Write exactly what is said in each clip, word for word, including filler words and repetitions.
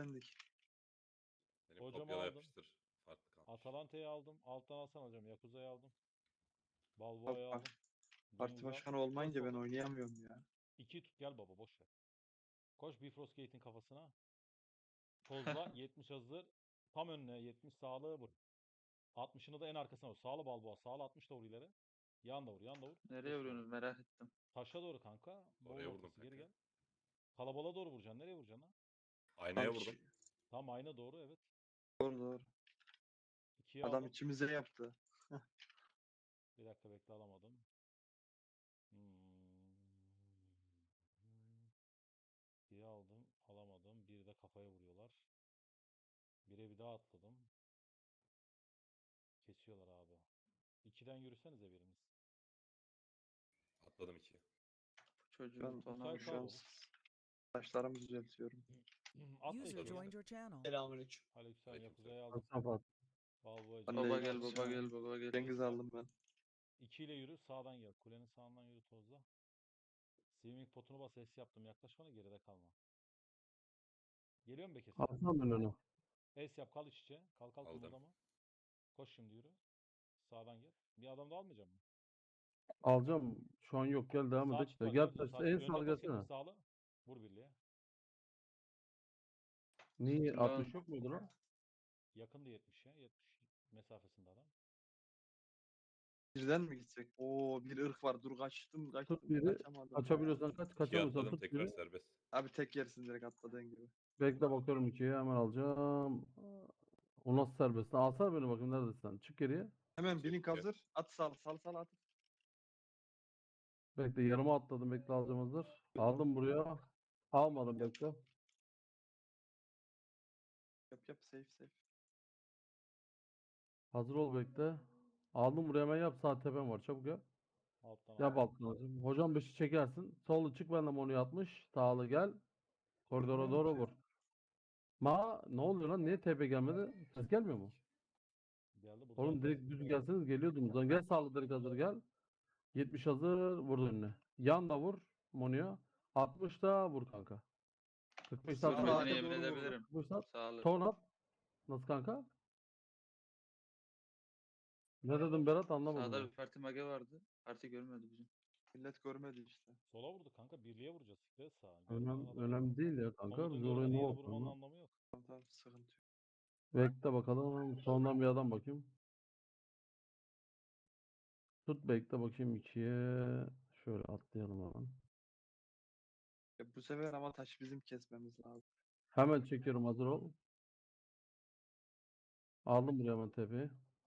kilitlendik. Benim Hocam kopyala aldım. yapıştır. Farklı kalmış. Atalanta'yı aldım. Alttan alsana hocam. Yakuza'yı aldım. Abi Balboa'yı bak, aldım. parti Cengiz al. başkanı Koş olmayınca ben soldan. oynayamıyorum ya. İki tut gel baba boş ver. Koş Bifrost Gate'in kafasına. Tozla yetmiş hazır. Tam önüne yetmiş sağlığı vur. altmışını da en arkasına vur. Sağlı Balboa. Sağlı altmış da vur ileri. Yan da vur. Yan da vur. Nereye Geç vuruyorsunuz sonra. merak ettim. Taşa doğru kanka. Bol Oraya vurdum ortası. Geri kanka. gel. Kalabalığa doğru vuracaksın. Nereye vuracaksın lan? Aynaya Tam vurdum. içi- Tam ayna doğru evet. Doğru doğru. İkiye Adam aldım. içimize yaptı. Bir dakika bekle alamadım. Hmm. İkiye aldım. Alamadım. Bir de kafaya vuruyorlar. Bire bir daha atladım. Kesiyorlar abi. İkiden yürüsenize biriniz. Atladım ikiye. Bu çocuğu Şu an, tona Musay şu an kal baba. saçlarımı düzeltiyorum. Atla User içeri. joined your channel. Selamünaleyküm. Aleykümselam Aleykümselam. Yakuza'yı aldım. Kapat. Balboa'cı. Ben de Baba gel Cengiz- baba gel baba gel. Cengiz aldım ben. İki ile yürü. Sağdan gel. Kulenin sağından yürü tozla. Swimming potunu bas. Es yaptım. Yaklaş bana geride kalma. Geliyor mu Bekir? Alsana ben onu. Es yap kal iç içe. Kal kal Aldım. kımıldama. Koş şimdi yürü. Sağdan gel. Bir adam da almayacağım mı? Alacağım. Şu an yok, gel devam Sağ edelim. çıkma Gel dön. taş. Sağ En çık. sağ Önüne pas gelsene. yetmiş sağlı. Vur birliğe. Niye? Ulan. altmış yok muydu lan? Yakındı yetmiş ya. yetmiş mesafesinde adam. Birden mi gitsek? Oo bir ırk var. Dur kaçtım kaçtım. Tut biri. Kaçamadım. Kaçabiliyorsan kaç. İkiye Kaçamıyorsan atladım tut tekrar biri. serbest. Abi tek yersin direkt atladığın gibi. Bekle bakıyorum ikiye, hemen alacağım. O nasıl serbest? Alsana beni bakayım, neredesin sen? Çık geriye. Hemen İkiye blink tutuyor. hazır. At sal sal sal at. Bekle, yarıma atladım. Bekle, alacağım hazır. Aldım buraya. Almadım, bekle. Yap yap safe safe. Hazır ol, bekle. Aldım buraya, hemen yap. Sağ tepem var. Çabuk yap. Alttan Yap aldım. altına hocam. Hocam beşi çekersin. Solu çık, ben de onu atmış. Sağlı gel. Koridora Vurmuyor doğru ki. vur. Ma ne oluyor lan? Niye T P gelmedi? Ses gelmiyor mu? Geldi burada. Oğlum direkt düz gelseniz geliyordunuz lan. Gel sağlı, direkt hazır gel. yetmiş hazır, vur önüne. Yan da vur Monu'ya. altmış da vur kanka. kırk beş Sırtına atma. arka Ahmet'ine yemin doğru vurdu. edebilirim. kırk beş at. Sağlık. Ton at. Nasıl kanka? Ne dedim Berat, anlamadım Sağda ben. bir parti mage vardı. Parti görmedi bizim. Millet görmedi işte. Sola vurdu kanka. Birliğe vuracağız. Sikret sağa. Görmeyen Önemli, adam. önemli değil ya kanka. Komutu Biz oraya görmeden ne yere olsun vurmanın lan? anlamı yok. Tamam tamam sıkıntı yok. Bekle bakalım. Sondan bir adam bakayım. Tut, bekle bakayım ikiye. Şöyle atlayalım hemen. Ya bu sefer ama taş bizim kesmemiz lazım. Hemen çekiyorum, hazır ol. Aldım buraya hemen tepeyi.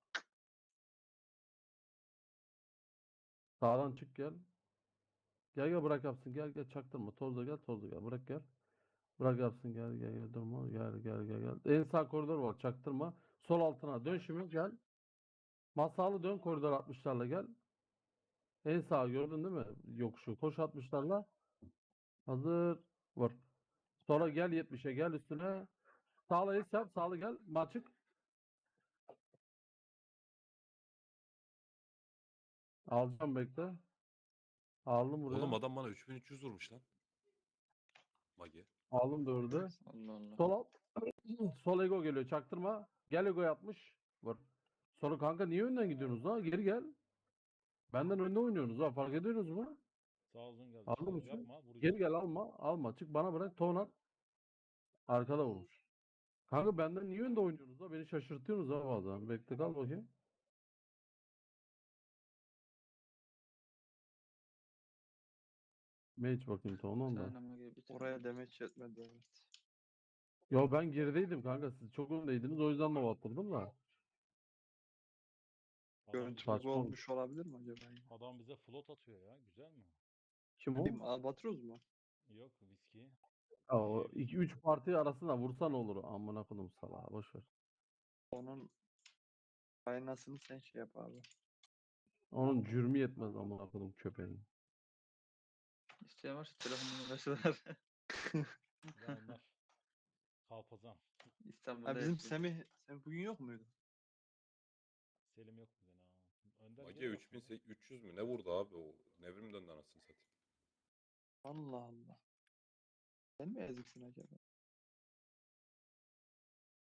Sağdan çık gel. Gel gel, bırak yapsın. Gel gel, çaktırma. Tozla gel, tozla gel. Bırak gel. Bırak yapsın, gel gel gel, durma. Gel gel gel gel. En sağ koridor var, çaktırma. Sol altına dön şimdi, gel. Masalı dön, koridor altmışlarla gel. En sağ gördün değil mi? Yokuşu. Koş altmışlarla. Hazır. Vur. Sonra gel yetmişe, gel üstüne. Sağla es yap. Sağlı gel. Maçık. Alacağım, bekle. Aldım buraya. Oğlum adam bana üç bin üç yüz vurmuş lan. Magi. Aldım dördü. Allah Allah. Sol alt. Sol ego geliyor. Çaktırma. Gel, ego yapmış. Vur. Sonra kanka niye önden gidiyorsunuz ha? Geri gel. Benden önde oynuyorsunuz ha. Fark ediyorsunuz mu? Sağ uzun geldi. Aldın Şov mı sen? yapma. Vuracağız. Geri gel, alma. Alma. Çık bana bırak. Ton at. Arkada vurmuş. Kanka benden niye önde oynuyorsunuz ha? Beni şaşırtıyorsunuz ha bazen. Bekle, kal bakayım. Mage bakayım ton Bir onda. tane mage bir tane. Oraya demeç yetmedi evet. Yo, ben gerideydim kanka. Siz çok öndeydiniz. O yüzden de attırdım da. Adam, Görüntü bize, bug Saçma olmuş olabilir mi acaba? ya? adam bize float atıyor ya. Güzel mi? Kim o? Kim? Albatros mu? Yok viski. Ha, o Şey, iki üç parti arasında vursan olur. Amına koydum salağa. Boş ver. Onun kaynasını sen şey yap abi. Onun cürmü yetmez amına koydum köpeğin. İsteyen varsa telefon numarası var. ya onlar. Kalpazan. İstanbul'da Ha bizim hepsi. Semih, Semih bugün yok muydu? Selim yok bugün ha. Önder Magi geliyor üç bin aslında. üç yüz mü? Ne vurdu abi o? Nevrim döndü anasını satayım. Allah Allah. Sen mi eziksin acaba?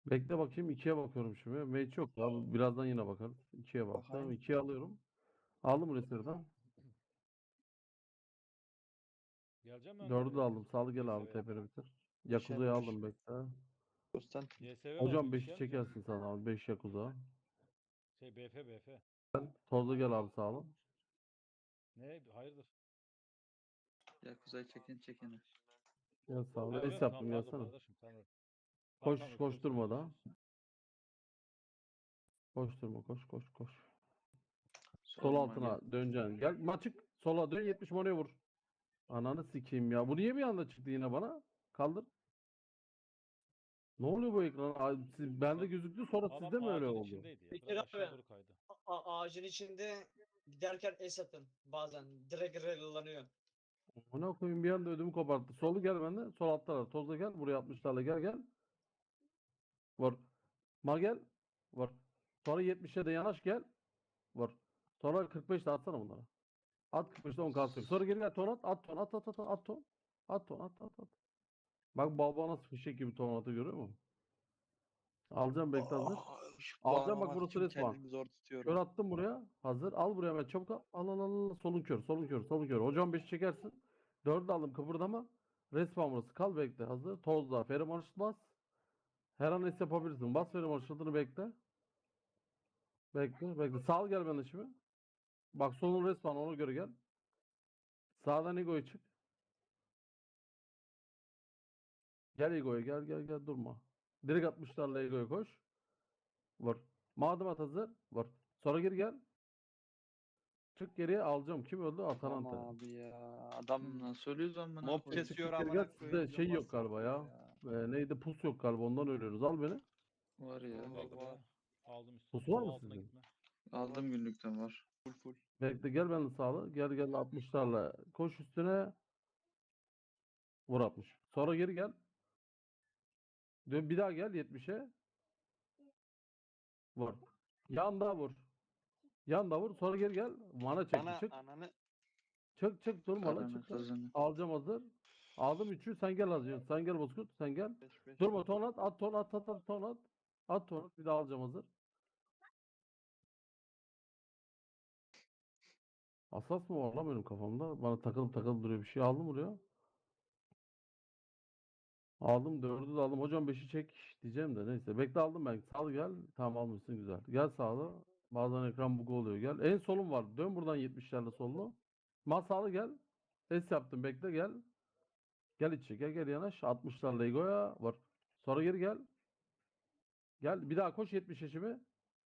Bekle bakayım. ikiye bakıyorum şimdi. Mage yok ya. bu- Birazdan yine bakarız. ikiye baktım. Bakayım. ikiye alıyorum. Aldım Reser'dan. Geleceğim ben. dördü de aldım. Sağlı gel Y S abi V'ye. tepene bitir. Yakuza'yı beş. aldım bekle. Konstantin. Y S V Hocam oldu, beşi şey mi? çekersin sen abi. beş Yakuza. Şey B F B F. Tozlu gel abi sağlı. Ne? Hayırdır? Yakuza'yı çekin çekin. Gel sağlı. Yok Es yok, yaptım tamam pardon gelsene. kardeşim. Tamam. Koş Tamam, tamam, koş öpüyorum durma seni, da. görüşürüz. Koş durma koş koş koş. Sol Soluma altına döneceksin. Gel maçık sola dön yetmiş monoya vur. Ananı sikeyim ya. Bu niye bir anda çıktı yine bana? Kaldır. Ne oluyor bu ekran? Aa, siz- bende gözüktü sonra Adam sizde mi öyle ağacın oldu? içindeydi ya. Bekir Biraz abi. aşağı doğru kaydı. A- ağacın içinde giderken es atın bazen. Direkt relolanıyor. Ona koyayım bir anda ödümü koparttı. Solu gel bende. Sol altlara. Tozla gel. Buraya altmışlarla gel gel. Vur. Ma gel. Vur. Sonra yetmişe de yanaş gel. Vur. Sonra kırk beşte atsana bunlara. At kırk beşte on kalsın. Sonra geri gel ton at. At ton at at at at ton. At ton at at at. Bak baba nasıl fişek gibi ton atı görüyor musun? Alacağım bekle hazır. Aa, şu Alacağım bak bağlamak burası için resmen. kendimi zor Kör tutuyorum. attım buraya. Hazır. Al buraya hemen çabuk al. Al al al. al. Solun kör. Solun kör. Solun kör. Hocam beşi çekersin. dördü aldım kıpırdama. Resmen burası. Kal bekle. Hazır. Tozla. Feromon bas. Her an es yapabilirsin. Bas feromon ışıldığını bekle. Bekle. Bekle. Sağ ol gel bana şimdi. Bak solun resmen ona göre gel. Sağdan Ego'ya çık. Gel Ego'ya gel gel gel durma. Direkt altmışlarla Ego'ya koş. Vur. Madem at hazır. Vur. Sonra geri gel. Çık geriye alacağım. Kim öldü? Atalanta. Tamam abi ya. Adam Nasıl ölüyoruz lan bana? mob koyayım. kesiyor Çık geri amına gel. koyayım. Sizde şey yok galiba ya. Ee, neydi? Pus yok galiba. Ondan ölüyoruz. Al beni. Var ya. Tamam. Aldım var. ya. Aldım üstüne. Pusu var Sol mı altına sizin? gitme. Aldım günlükten var. Full full. Bekle gel benimle sağlı. Gel gel altmışlarla. Koş üstüne. Vur altmış. Sonra geri gel. Dön bir daha gel yetmişe. Vur. Yan daha vur. Yan da vur. Sonra geri gel. Mana çek. Ana Çık. ananı Çık çık durma lan Kazanı çık. lan. kazanı. Alacağım hazır. Aldım üçü. Sen gel hazır. Sen gel Bozkurt. Sen gel. beş beş. Durma ton at. At ton at at at ton at. At ton at. Bir daha alacağım hazır. Asas mı var lan benim kafamda? Bana takılıp takılıp duruyor. Bir şey aldım buraya. Aldım dördü de aldım. Hocam beşi çek diyeceğim de neyse. Bekle aldım ben. Sağ gel. Tamam almışsın güzel. Gel sağlı. Bazen ekran bug oluyor. Gel. En solum var. Dön buradan yetmişlerle sollu. Ma sağlı gel. Es yaptım. Bekle gel. Gel içi. Gel gel yanaş. altmışlarla Ego'ya var. Sonra geri gel. Gel. Bir daha koş yetmiş yaşımı.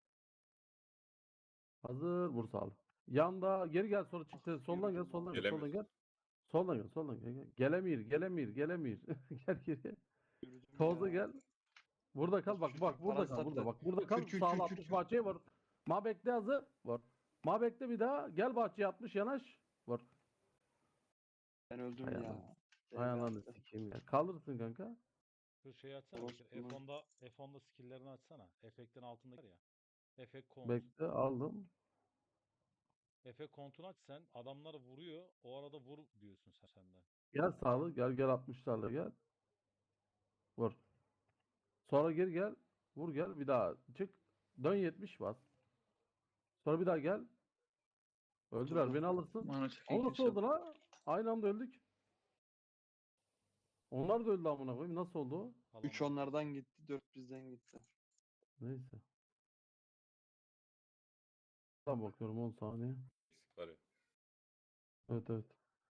Hazır. Vur sağlı. Yanda geri gel sonra çık. Soldan gel. Soldan gel. Gelemiyor. Soldan gel. Soldan gel. Soldan gel. gel. Gelemir. Gelemir. Gelemir. Gel geri. Yürüdüm Tozda ya. gel. Burada kal bak Hiçbir şey bak yok, burada parası kal burada sattı. bak burada kal Kür, kür, sağ kür, kür, altmış kür. bahçeye var. Ma bekle hazır var. Ma bekle bir daha gel bahçeye altmış yanaş var. Ben öldüm Hay ya. Allah. Şey Hay ananı yaptı. sikeyim ya. Kalırsın kanka. Şu şeyi açsana. Orospu Bekir. mu? F on'da F on'da skill'lerini açsana. Efektin altında var ya. Efekt kont. Bekle aldım. Efekt kontunu aç sen. Adamlar vuruyor. O arada vur diyorsun sen senden. Gel sağlı gel gel altmışlarla gel. Vur. Sonra geri gel. Vur gel bir daha çık. Dön yetmiş bas. Sonra bir daha gel. Öldüler Oturdum. beni alırsın. Mana Ama çekin nasıl oldu la? Aynı anda öldük. Onlar da öldü amına koyayım. Nasıl oldu o? üç Falan. onlardan gitti, dört bizden gitti. Neyse. Tam bakıyorum on saniye. Eksik var ya. Evet evet.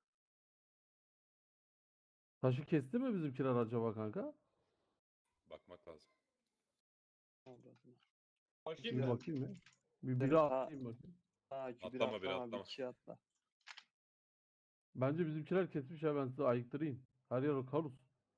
Taşı kesti mi bizimkiler acaba kanka? Bakmak lazım. Avradına. Bakayım Bir mı? bakayım mı? Bir Evet, biri ha- atayım bakayım. Ha, iki bir Atlama bir, atlama, bir atlama. iki atla. Bence bizimkiler kesmiş ya ben size ayıktırayım. Her yer karus.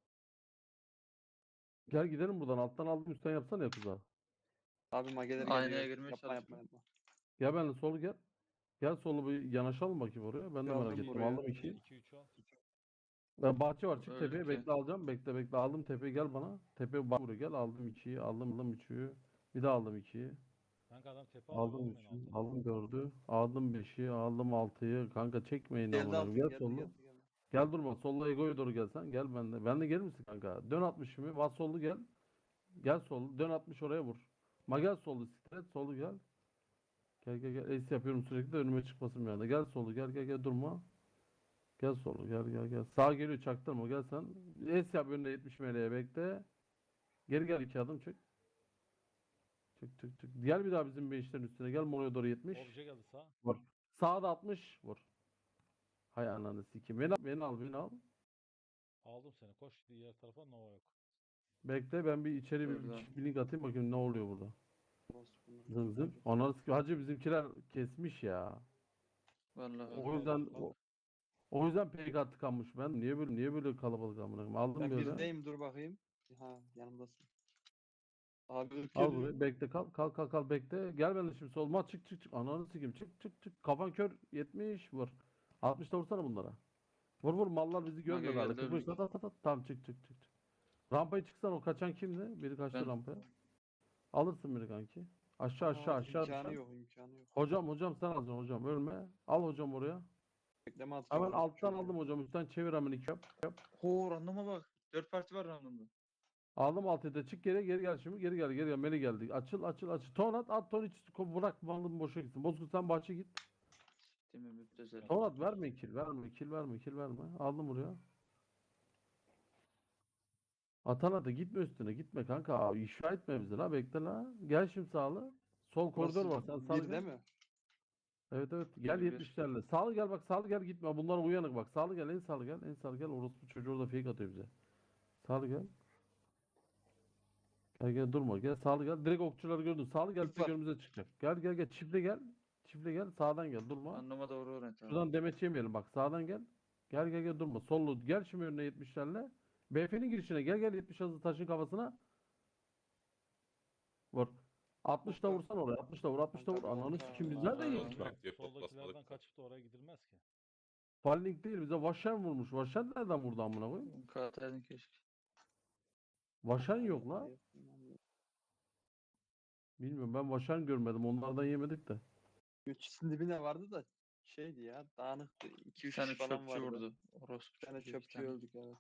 Gel gidelim buradan. Alttan aldım üstten yapsana ya kuza. Abi mageler Aynaya geliyor. girmeye Yapma çalışma. yapma yapma. Gel benimle solu gel. Gel solu bir yanaşalım bakayım oraya. Ben de Geldim merak ettim. buraya. Aldım ikiyi. iki üç al. Ben bahçe var. Çık Öyle tepeye. ki. Bekle alacağım. Bekle bekle. Aldım tepeye gel bana. Tepeye bak buraya gel. Aldım ikiyi. Aldım aldım üçü. Bir daha aldım ikiyi. Kanka adam tepe alıyor Aldım oğlum en üçü. altına. Aldım dördü. Aldım beşi. Aldım altıyı. Kanka çekmeyin Geldi amına. altı, koyayım. Gel geldi, sollu. geldi, geldi. Gel durma. Solla Ego'ya doğru gelsen. Gel ben de. Ben de gelir misin kanka? Dön altmışımı. Bas sollu gel. Gel sol. Dön altmış oraya vur. Ma gel solu stret. Solu gel. Gel gel gel. Ace yapıyorum sürekli de önüme çıkmasın bir anda. Gel solu gel gel gel durma. Gel solu gel gel gel. Sağ geliyor çaktırma gel sen. Ace yap önüne yetmiş meleğe bekle. Geri gel iki adım çık. Çık çık çık. Gel bir daha bizim beşlerin üstüne. Gel monoya doğru yetmiş. Obje geldi sağ. Vur. Sağda altmış. Vur. Hay ananı sikeyim. Beni al beni al beni al. Aldım seni. Koş diğer tarafa. Nova yok. Bekle ben bir içeri bir, Burada. bir link atayım bakayım ne oluyor burada. Orospu'nun Zın zın. çocuğu. Ananı sikeyim. Hacı bizimkiler kesmiş ya. Vallahi Öldü, O öldü. yüzden Bak. o, o yüzden P K tıkanmış. Ben niye böyle niye böyle kalabalık amına koyayım? Aldım Ben böyle. birdeyim dur bakayım. Ha yanımdasın. Abi ırk Al geliyor. burayı. Bekle kal. Kal kal kal bekle. Gel benimle şimdi solma. Çık çık çık. Ananı sikeyim. Çık çık çık. Kafan kör. yetmiş vur. altmış da vursana bunlara. Vur vur mallar bizi görmüyor geldi, hala. kırk beş öldük. at at at. at. Tamam çık çık çık. çık. Rampaya çıksan o kaçan kimdi? Biri kaçtı Ben. rampaya. Alırsın biri kanki. Aşağı aşağı Aa, aşağı. imkanı aşağı. yok imkanı yok. Hocam hocam sen alacaksın hocam. Ölme. Al hocam oraya. Bekleme atacağım. Hemen alttan aldım hocam. Üstten çevir hemen iki yap. yap. Ho randıma bak. Dört parti var randımda. Aldım altı da çık geri geri gel şimdi. Geri gel geri gel. Meli geldi. Açıl açıl açıl. Ton at at ton hiç bırak malın boşa gitsin. Bozkurt sen bahçe git. Değil mi? Müptezel. Ton at verme kill verme kill verme kill verme. Aldım buraya. Atana da gitme üstüne gitme kanka. Abi, işra etme bizi la bekle la. Gel şimdi sağlı. Sol koridor var sen sağlı Bir gel. değil mi? Evet evet gel Bir, bir. yetmişlerle. Sağlı gel bak sağlı gel gitme. Bunlar uyanık bak. Sağlı gel en sağlı gel en sağlı gel. Orospu çocuğu orada fake atıyor bize. Sağlı gel. Gel gel durma gel sağlı gel. Direkt okçuları gördün. Sağlı gel Çift direkt var. önümüze çıkacak. Gel gel gel çiftle gel. Çiftle gel sağdan gel durma. Randıma doğru oraya tamam. Şuradan demeç yemeyelim bak sağdan gel. Gel gel gel durma. Sollu gel şimdi önüne yetmişlerle. B F'nin girişine gel gel yetmiş hızlı taşın kafasına. Vur. altmış da vursan oraya. altmış da vur. altmış da vur. Kanka, Ananı kanka. sikim biz Aa, neredeyiz aa. lan? Direkt pot Soldakilerden basmalık. kaçıp da oraya gidilmez ki. Falling değil bize Vaşen vurmuş. Vaşen nereden vurdu amına koyayım? Kağıtlardın keşke. Vaşen yok la. Bilmiyorum ben Vaşen görmedim. Onlardan yemedik de. Göçüsün dibine vardı da şeydi ya dağınıktı. iki Bir üç tane kişi falan çöpçü vardı. vurdu. Orospu Bir tane çocuğu, iki çöpçü tane. öldük evet.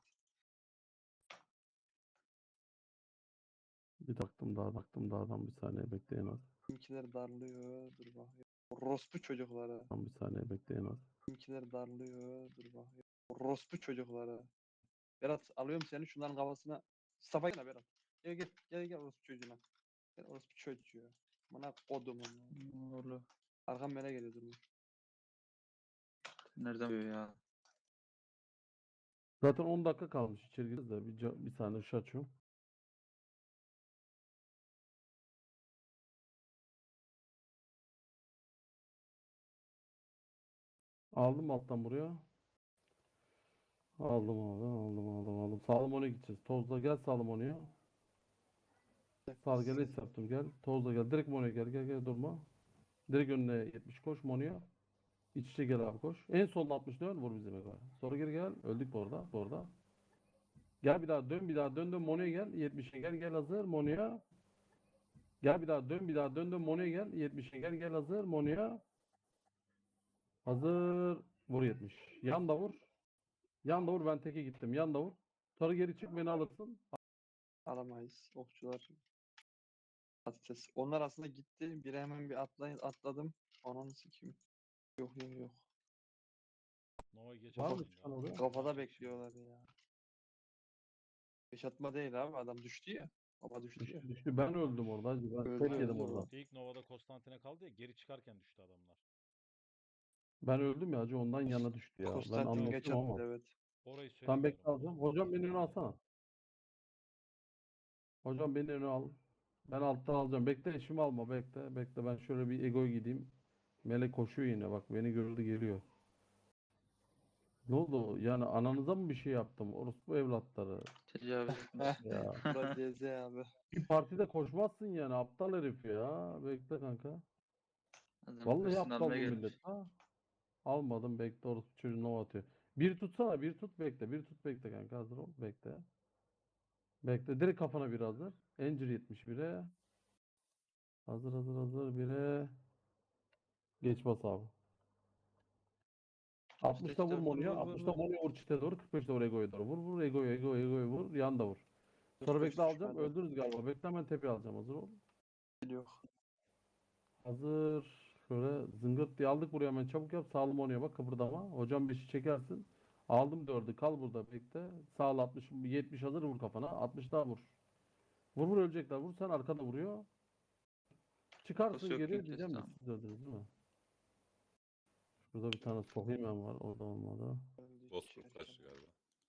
Bir baktım daha baktım dağdan bir saniye bekleyin az. Bizimkiler darlıyor. Dur bakayım. Orospu çocukları. Tam bir saniye bekleyin az. Bizimkiler darlıyor. Dur bakayım. Orospu çocukları. Berat alıyorum seni şunların kafasına. Safa gel Berat. Gel gel gel gel orospu çocuğuna. Gel orospu çocuğu. Bana kodumun. Oğlu. Arkam bana geliyor durma. Nereden biliyor ya? Zaten on dakika kalmış içeri gireceğiz de bir, ca- bir saniye ışığı açıyorum. Aldım alttan buraya. Aldım abi aldım aldım aldım. Salomon'a gideceğiz. Tozla gel Salomon'a. Sağ gel es yaptım gel. Tozla gel. Direkt Mono'ya gel gel gel durma. Direkt önüne yetmiş koş Mono'ya. İç içe gel abi koş. En solda altmış dön vur bizim eve. Sonra geri gel. Öldük bu arada. Bu arada. Gel bir daha dön bir daha dön dön Mono'ya gel. yetmişe gel gel hazır Mono'ya. Gel bir daha dön bir daha dön dön Mono'ya gel. yetmişe gel gel hazır Mono'ya. Hazır. Vur yetmiş. Yan da vur. Yan da vur ben teke gittim. Yan da vur. Sonra geri çık beni alırsın. Alamayız. Okçular. Patates. Onlar aslında gitti. Biri hemen bir atlayın atladım. Onun sikeyim. Yok yok yok. Nova'yı geç Var mı atmayın çıkan ya. oraya? Kafada Geç bekliyorlar ya. Yaşatma değil abi. Adam düştü ya. Baba düştü ya. Düştü düştü. Ben öldüm orada. Hacı. Ben Öldü, tek yedim öldü orada. o. İlk Nova'da Konstantin'e kaldı ya, geri çıkarken düştü adamlar. Ben öldüm ya hacı ondan yana düştü ya. Ben Konstantin geç anlattım attı ama. evet. Orayı Ben söylemiyorum. bekle alacağım. Hocam beni öne alsana. Hocam beni öne al. Ben alttan alacağım. Bekle eşimi alma bekle. Bekle ben şöyle bir egoya gideyim. Melek koşuyor yine bak beni gördü geliyor. Ne oldu? Yani ananıza mı bir şey yaptım? Orospu evlatları. Tecavüz etmiş. Ya. Bura C Z abi. Bir partide koşmazsın yani aptal herif ya. Bekle kanka. Adam Vallahi hırsını aptal bu almaya gelmiş. millet. Ha? Almadım bekle orospu çocuğu nova atıyor. Bir tutsana bir tut bekle. Bir tut bekle kanka hazır ol bekle. Bekle direkt kafana bir hazır. Encir yetmiş bire. Hazır hazır hazır bire. Geç bas abi. altmışta vur Vur, vur, Monu'ya. vur, vur, altmışta vur. Monu'ya vur çite doğru. kırk beşte vur Ego'ya doğru. Vur vur Ego'ya Ego'ya Ego'ya vur. Yan da vur. Sonra beş bekle alacağım. düşmedi. Öldürürüz galiba. Bekle hemen tepeye alacağım. Hazır ol. Yok. Hazır. Şöyle zıngırt diye aldık buraya hemen çabuk yap. Sağlı monoya bak kıpırdama. Hocam beşi çekersin. Aldım dördü. Kal burada bekle. Sağlı altmış yetmiş hazır vur kafana. altmış daha vur. Vur vur ölecekler. Vur sen arkada vuruyor. Çıkarsın Kafası yok geriye çünkü, diyeceğim de tamam. siz öldünüz değil mi? Şurada bir tane sokayım ben var. Orada olmadı. Öldü Bozkurt içerken. kaçtı galiba.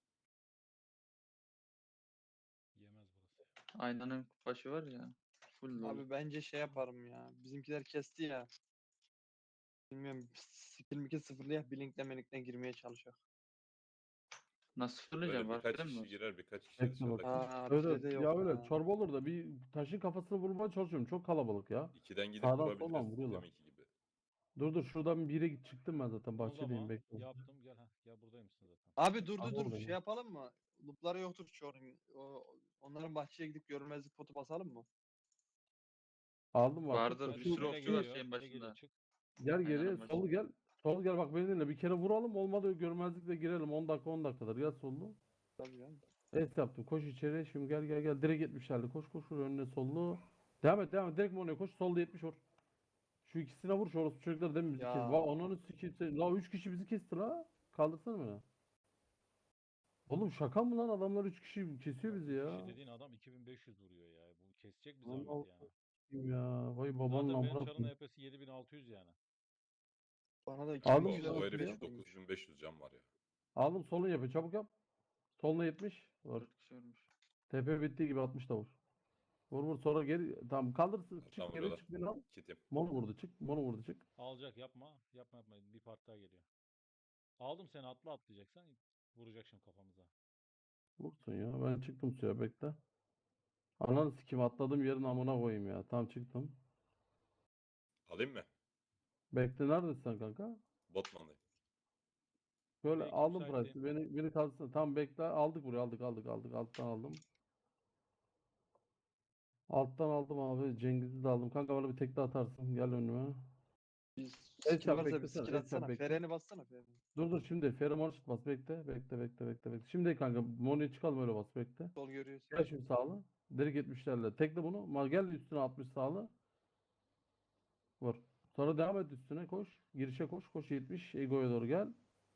Yemez burası. Aynanın başı var ya. Full dolu. Abi bence şey yaparım ya. Bizimkiler kesti ya. Bilmiyorum. Skill mikil sıfırlayak. Blinkle melikle girmeye çalışıyor. Nasıl Böyle fırlayacağım? Var birkaç falan kişi mı? girer, birkaç kişi Bekle dışarıda bak. kalır. Aa, Öyle, pirede yok ya öyle ha. çorba olur da bir taşın kafasını vurmaya çalışıyorum. Çok kalabalık ya. İkiden gidip Sağdan soldan vurabiliriz vuruyorlar. deminki gibi. Dur dur şuradan bire git çıktım ben zaten O bahçedeyim zaman bekle. yaptım. Gel ha. Gel buradaymışsın zaten. Abi dur Al dur dur. oradayım. Şey yapalım mı? Loop'ları yoktur çoğunun. O, onların bahçeye gidip görünmezlik potu basalım mı? Aldım var. Vardır, Tut da bir şu- sürü Ele okçu var şu- geliyor. şeyin Ele geliyor. başında. Çık. Gel geriye Aynen, başında. sol gel. Sol gel bak beni dinle bir kere vuralım olmadı görmezlikle girelim on dakika on dakikadır gel sollu. Tabii ya. Es yaptım koş içeri şimdi gel gel gel direkt yetmişlerle koş koş vur önüne sollu. Devam et devam et direkt Mono'ya koş solda yetmiş vur. Şu ikisine vur şu orası çocuklar değil mi bizi Ya. kes. Va onun sikisi. La üç kişi bizi kesti la. Kaldırsana beni. Oğlum şaka mı lan adamlar üç kişi kesiyor bizi ya. Kişi dediğin adam iki bin beş yüz vuruyor ya. Bu kesecek bir Allah zahmet yani. Kim ya vay babanın Zaten benim amına çarın koyayım. E P'si yedi bin altı yüz yani. Bana da Aldım iki bin bir yüz de O nasıl altmış herif ya? koymuş. dokuz bin beş yüz can var ya. Aldım solun yapıyor çabuk yap. Soluna yetmiş. Vur. dört kişi ölmüş. T P bittiği gibi altmış da vur. Vur vur sonra geri tamam kaldırsın çık Tamam, geri buralar. çık beni al. Kitim. Mono vurdu çık. Mono vurdu çık. Alacak yapma. Yapma yapma. Bir part daha geliyor. Aldım seni atla atlayacaksan vuracak şimdi kafamıza. Vursun ya ben çıktım suya bekle. Ananı sikim atladım yerin amına koyayım ya. Tamam çıktım. Alayım mı? Bekle neredesin sen kanka? Botman'dayım. Böyle Belki aldım müsaitteyim. price'ı. Beni beni kalsın. Tamam bekle. Aldık buraya aldık aldık aldık. Alttan aldım. Alttan aldım abi. Cengiz'i de aldım. Kanka bana bir tekte atarsın. Gel önüme. Biz Es skill yap varsa bir beklesene. skill Es yap atsana. bekle. Freni bassana freni. Dur dur şimdi. Feromon şut bas. Bekle. Bekle bekle bekle bekle. Şimdi kanka. Mono'ya çıkalım öyle bas. Bekle. Sol görüyorsun. Gel şimdi sağlı. Direkt yetmişlerle. Tekle bunu. Ma gel üstüne altmış sağlı. Vur. Sonra devam et üstüne koş. Girişe koş. Koş yetmiş. Ego'ya doğru gel.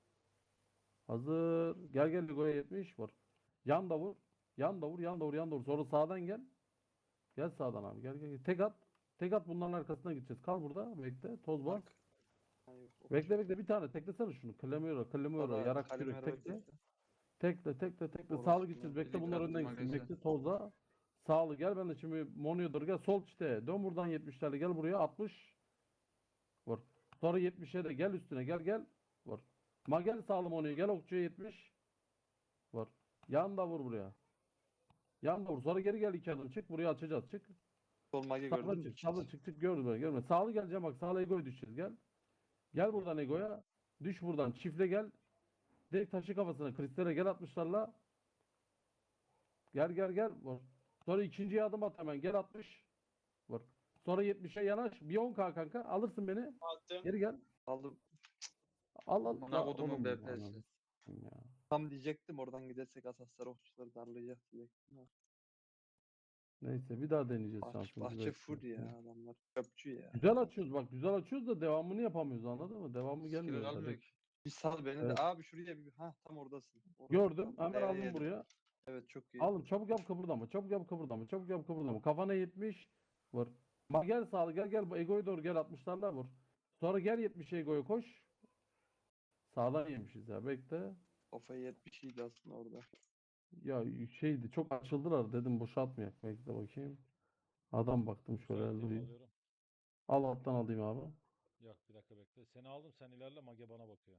Hazır. Gel gel Ego'ya yetmiş. Vur. Yan da vur. Yan da vur. Yan da vur. Yan da vur. Sonra sağdan gel. Gel sağdan abi. Gel gel. gel. Tek at. Tek at bunların arkasına gideceğiz. Kal burada. Bekle. Toz bas. Bak. Ha, yok, o Bekle bekle. Bir tane teklesene şunu. Clemero. Clemero. Sonra Yarak Kalimero yürek. Tekle. bekle. Tekle tekle tekle. Orası Sağlı kim gideceğiz. lan? Bekle Biri bunlar bıraktım önden gitsin. magazin. Bekle tozla. Sağlı gel ben de şimdi Mono'ya doğru gel. Sol çite. Dön buradan yetmişlerle gel buraya. altmış. Vur. Sonra yetmişe de gel üstüne. Gel gel. Vur. Ma gel sağlı Mono'ya. Gel okçuya yetmiş. Vur. Yan da vur buraya. Yan da vur. Sonra geri gel iki adım. Çık. Buraya açacağız. Çık. Sol mage Sağlı gördün mü? çık. Sağlı çık çık. Gördüm ben. Görme. Sağlı geleceğim bak. Sağlı Ego'ya düşeceğiz. Gel. Gel buradan Ego'ya. Düş buradan. Çiftle gel. Direkt taşı kafasına. Kristale gel atmışlarla. Gel gel gel. Vur. Sonra ikinciye adım at hemen. Gel altmış. Vur. Sonra yetmişe yanaş. Bir on K kanka. Alırsın beni. Attım. Geri gel. Aldım. Al al. Amına Ya kodumun oğlum, B P'si. ananı sikeyim ya. Tam diyecektim oradan gidersek asaslar okçuları darlayacak diyecektim. Ha. Neyse bir daha deneyeceğiz Bahçe, şansımızı. bahçe bekle. full ya adamlar. Çöpçü ya. Güzel açıyoruz bak güzel açıyoruz da devamını yapamıyoruz anladın mı? Devamı Skill gelmiyor. almıyor tabii. ki. Bir sal beni Evet. de. Abi şuraya bir. Ha tam oradasın. Orası Gördüm. tam. Hemen Ee, aldım yedim. buraya. Evet çok iyi. Aldım. Çabuk yap kıpırdama. Çabuk yap kıpırdama. Çabuk yap kıpırdama. Kafana yetmiş. Vur. Bak gel sağlı gel gel. Bu Ego'ya doğru gel altmışlarla vur. Sonra gel yetmişe Ego'ya koş. Sağdan yemişiz ya. Bekle. Kafayı yetmiş iyiydi aslında orada. Ya şeydi çok açıldılar dedim boşaltmayak. Bekle bakayım. Adam baktım şöyle Müsaitteyim durayım. alıyorum. Al alttan alayım abi. Yok bir dakika bekle. Seni aldım sen ilerle Mage bana bakıyor.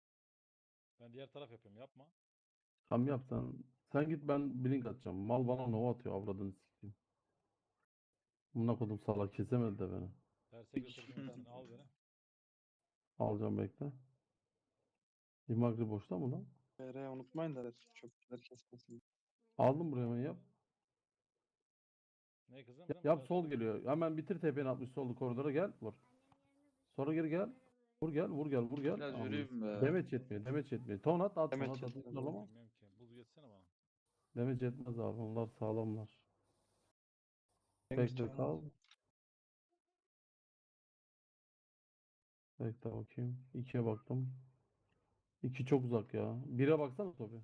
Ben diğer taraf yapıyorum yapma. Tam yap sen. Sen git ben blink atacağım. Mal bana nova atıyor avradını sikeyim. Buna kodum salak kesemedi de beni. Terse götürdüm hepsini al beni. Alacağım bekle. İmagri boşta mı lan? F R unutmayın da çöpçüler kesmesin. Aldım buraya hemen yap. Ne kızım? Yap, Kızım, yap terse sol götür. geliyor. Hemen bitir tepeni altmış sollu koridora gel. Vur. Sonra geri gel. Vur gel vur gel vur gel. Biraz Anladım. yürüyeyim be. Demeç yetmiyor demeç yetmiyor. Ton at at ton Demeç at at. yetmiyor. Zorlama. Bilmiyorum ki. Buz geçsene bana. Damage etmez abi. Onlar sağlamlar. Cengiz Bekle Can kal. abi. Bekle bakayım. ikiye baktım. iki çok uzak ya. bire baksana Tobi.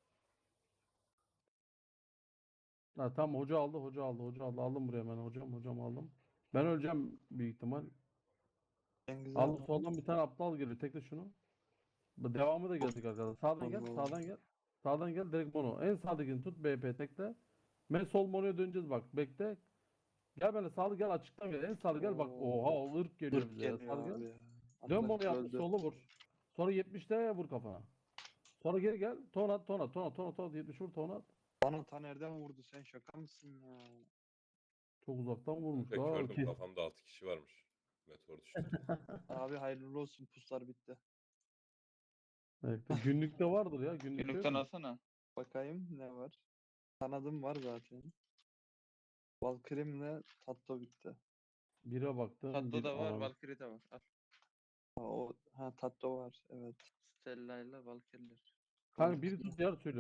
Ha tamam hoca aldı hoca aldı hoca aldı. Aldım buraya ben hocam hocam aldım. Ben öleceğim büyük ihtimal. Cengiz Aldım abi. soldan bir tane aptal geliyor. Tekle şunu. Bu devamı da gelecek arkadaşlar. Sağdan gel, Allah. sağdan gel. Sağdan gel direkt mono. En sağdakini tut B P tekle. Ben sol monoya döneceğiz bak. Bekle. Gel böyle sağlı gel açıktan gel. En sağlı gel bak. Oo. Oha o ırk geliyor Irk bize ya. geliyor Sağlı abi gel. ya. Dön mono Arkadaş yaptı öldü. solu vur. Sonra yetmişte vur kafana. Sonra geri gel. Ton at ton at ton at ton at ton at. yetmiş vur ton at. Bana ta nereden vurdu sen şaka mısın ya? Çok uzaktan vurmuş. Pek Aa, gördüm kes- kafamda altı kişi varmış. Meteor düştü. Abi hayırlı olsun puslar bitti. Bekle. Günlükte vardır ya. Günlükte yok Günlükten mu? alsana. Bakayım ne var? Kanadım var zaten. Valkyrim'le Tatto bitti. Bire baktım. Tatlı bir da var, Aa, Valkyrie de var. Al. Ha, o, ha Tatto var evet. Stella ile Valkyrie'ler. Kanka biri tut diğer söylüyor.